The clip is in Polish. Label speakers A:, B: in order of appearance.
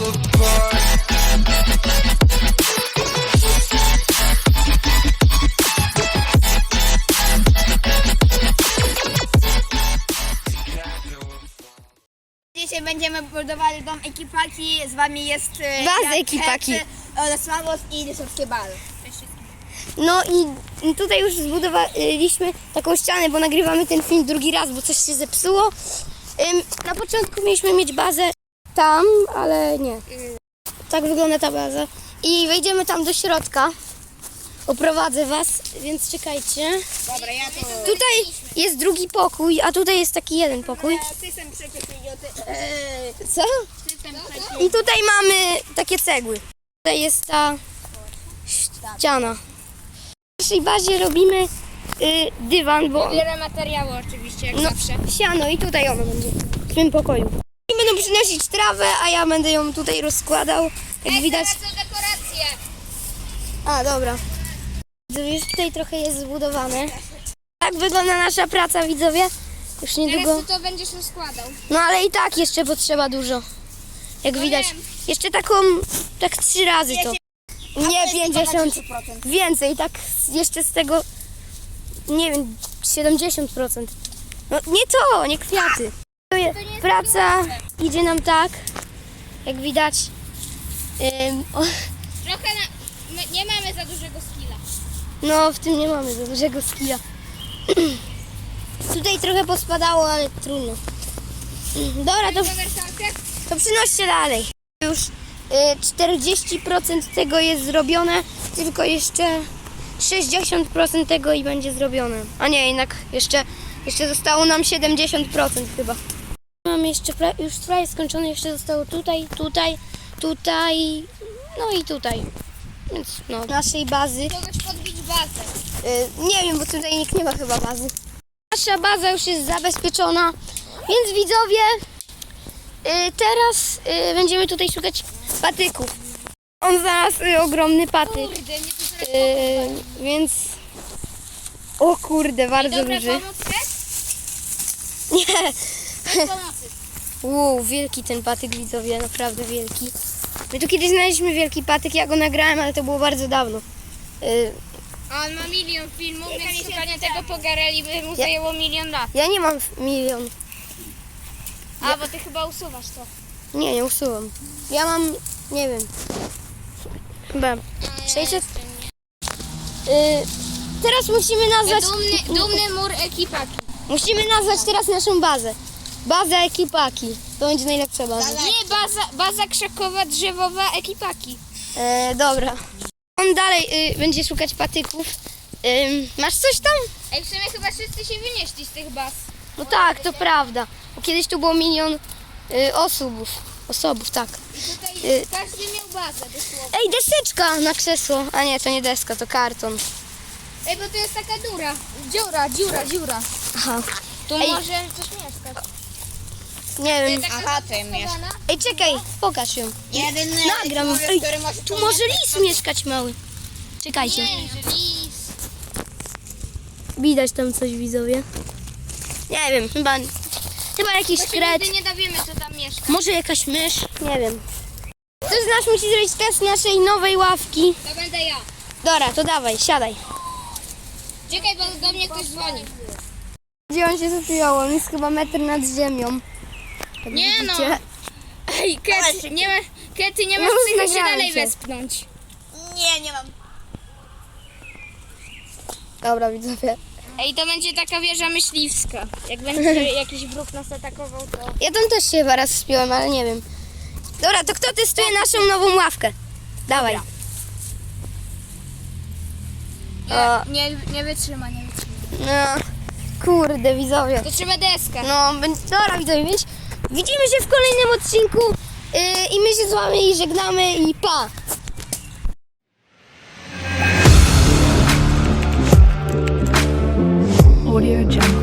A: fall apart.
B: Dzisiaj będziemy budowali dom ekipaki, z wami jest
C: Bazy ekipaki.
B: Sławos i Dysowskie Bal.
C: No i tutaj już zbudowaliśmy taką ścianę, bo nagrywamy ten film drugi raz, bo coś się zepsuło. Na początku mieliśmy mieć bazę tam, ale nie. Tak wygląda ta baza. I wejdziemy tam do środka. Oprowadzę was, więc czekajcie.
B: Dobra, ja to...
C: Tutaj jest drugi pokój, a tutaj jest taki jeden pokój.
B: System przecież idioty.
C: Co?
B: System przecież.
C: I tutaj mamy takie cegły. Tutaj jest ta ściana. W naszej bazie robimy dywan, bo
B: Biorę materiały oczywiście, jak
C: no,
B: zawsze.
C: siano i tutaj ono będzie w tym pokoju. I będą przynosić trawę, a ja będę ją tutaj rozkładał. Jak widać.
B: Teraz są dekoracje.
C: A, dobra. Już tutaj trochę jest zbudowane. Tak wygląda nasza praca, widzowie. Już niedługo.
B: Teraz ty to będziesz rozkładał.
C: No ale i tak jeszcze potrzeba dużo. Jak widać.
B: wiem.
C: Jeszcze taką, tak 3 razy to. Nie 50. Więcej, tak jeszcze z tego, nie wiem, 70%. No nie to, nie kwiaty. Praca idzie nam tak, jak widać.
B: Trochę my nie mamy za dużego skilla.
C: No w tym nie mamy za dużego skilla. Tutaj trochę pospadało, ale trudno. Dobra, to przynoście dalej. Już 40% tego jest zrobione, tylko jeszcze 60% tego i będzie zrobione. A nie, jednak jeszcze zostało nam 70% chyba. Mam jeszcze już prawie skończone, jeszcze zostało tutaj, no i tutaj. Więc no, naszej bazy.
B: Kogoś podbić bazę.
C: Nie wiem, bo tutaj nikt nie ma chyba bazy. Nasza baza już jest zabezpieczona, więc widzowie, teraz będziemy tutaj szukać patyków. On znalazł ogromny patyk,
B: Kurde, nie to zaraz
C: więc... O kurde, bardzo
B: Dobra,
C: duży.
B: pomóc chcesz?
C: Nie.
B: Bez pomocy.
C: Wow, wielki ten patyk, widzowie, naprawdę wielki. My tu kiedyś znaleźliśmy wielki patyk, ja go nagrałem, ale to było bardzo dawno.
B: A on ma 1 000 000 filmów, więc szukanie tego pogareli by mu zajęło 1 000 000 lat.
C: Ja nie mam 1 000 000.
B: A, bo ty chyba usuwasz to.
C: Nie usuwam. Ja mam, nie wiem, chyba 600. Teraz musimy nazwać...
B: Dumny mur ekipaki.
C: Musimy nazwać teraz naszą bazę. Baza ekipaki. To będzie najlepsza baza.
B: Nie, baza krzakowa, drzewowa ekipaki.
C: Dobra. On dalej będzie szukać patyków. Masz coś tam?
B: Ej, w sumie chyba wszyscy się wynieśli z tych baz.
C: No tak, to prawda. Bo kiedyś tu było 1 000 000 osobów, tak.
B: I tutaj każdy miał bazę dosłownie.
C: Ej, deseczka na krzesło. A nie, to nie deska, to karton.
B: Ej, bo to jest taka dziura.
C: Aha.
B: Tu
C: Ej.
B: może coś mieszkać.
C: Nie wiem.
B: Aha, ty mieszkasz.
C: Ej, czekaj, pokaż ją.
B: Jedyny
C: Nagram. Ej, tu może lis mieszkać mały. Czekajcie.
B: Nie, że lis.
C: Widać tam coś, widzowie. Nie wiem, chyba jakiś
B: To się
C: kret.
B: nigdy nie dowiemy, co tam mieszka.
C: Może jakaś mysz? Nie wiem. Ktoś z nas musi zrobić test naszej nowej ławki.
B: To będę ja.
C: Dobra, to dawaj, siadaj.
B: Czekaj, bo do mnie ktoś dzwoni.
C: Gdzie on się zapiął? On jest chyba metr nad ziemią. Jak
B: Nie
C: widzicie.
B: no. Ej, Kety, nie masz
C: No,
B: psychy się
C: nagrałem
B: dalej
C: cię.
B: wespnąć.
D: Nie mam.
C: Dobra, widzowie.
B: Ej, to będzie taka wieża myśliwska. Jak będzie jakiś wróg nas atakował, to...
C: Ja tam też się chyba raz wspiąłem, ale nie wiem. Dobra, to kto testuje naszą nową ławkę? Dawaj. O.
B: Nie wytrzyma.
C: No, kurde, widzowie.
B: To trzeba deskę.
C: No, dobra, widzowie, więc widzimy się w kolejnym odcinku i my się z wami żegnamy i pa!
E: Audio Jungle.